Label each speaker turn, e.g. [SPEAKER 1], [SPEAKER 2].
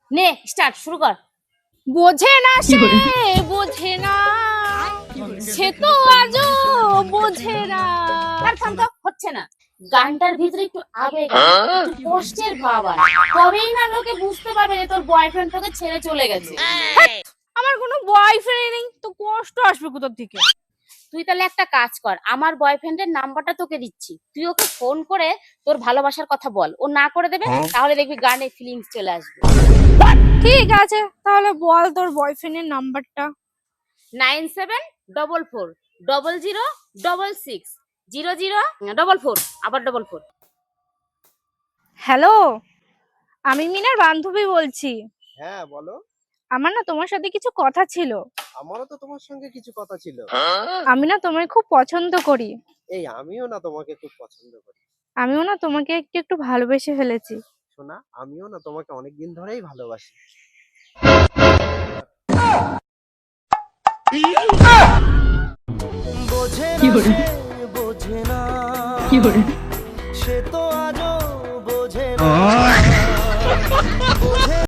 [SPEAKER 1] নে স্টার্ট শুরু কর।
[SPEAKER 2] বোঝে না সে বোঝে না সে তো আজও বোঝে না।
[SPEAKER 1] আর থাম তো, হচ্ছে না। গানটার ভিতরে একটু আবেগ আছে, একটু কষ্টের ভাব আছে, তবেই না লোকে বুঝতে পারবে যে তোর বয়ফ্রেন্ড তোকে ছেড়ে চলে গেছে।
[SPEAKER 2] আমার কোনো বয়ফ্রেন্ড নেই তো কষ্ট আসবে কোথা থেকে?
[SPEAKER 1] তুই তাহলে একটা কাজ কর, আমার বয়ফ্রেন্ডের নাম্বারটা তোকে দিচ্ছি, তুই ওকে ফোন করে তোর ভালোবাসার কথা বল, ও না করে দেবে, তাহলে দেখবি গানে ফিলিংস চলে আসবে।
[SPEAKER 2] ঠিক আছে, তাহলে বল তোর বয়ফ্রেন্ডের নাম্বারটা।
[SPEAKER 1] 9744006600 আবার 44।
[SPEAKER 2] হ্যালো, আমি মিনার বান্ধবী বলছি।
[SPEAKER 3] হ্যাঁ বলো।
[SPEAKER 2] আমার না তোমার সাথে কিছু কথা ছিল।
[SPEAKER 3] আমারও তো তোমার সঙ্গে কিছু কথা ছিল।
[SPEAKER 2] আমি না তোমায় খুব পছন্দ করি।
[SPEAKER 3] এই আমিও না তোমাকে খুব পছন্দ করি।
[SPEAKER 2] আমিও না তোমাকে একটু একটু ভালোবেসে ফেলেছি।
[SPEAKER 3] শোনা, আমিও না তোমাকে অনেকদিন ধরেই ভালোবাসি। বোঝে না সে, বোঝে না সে তো আজও বোঝে না।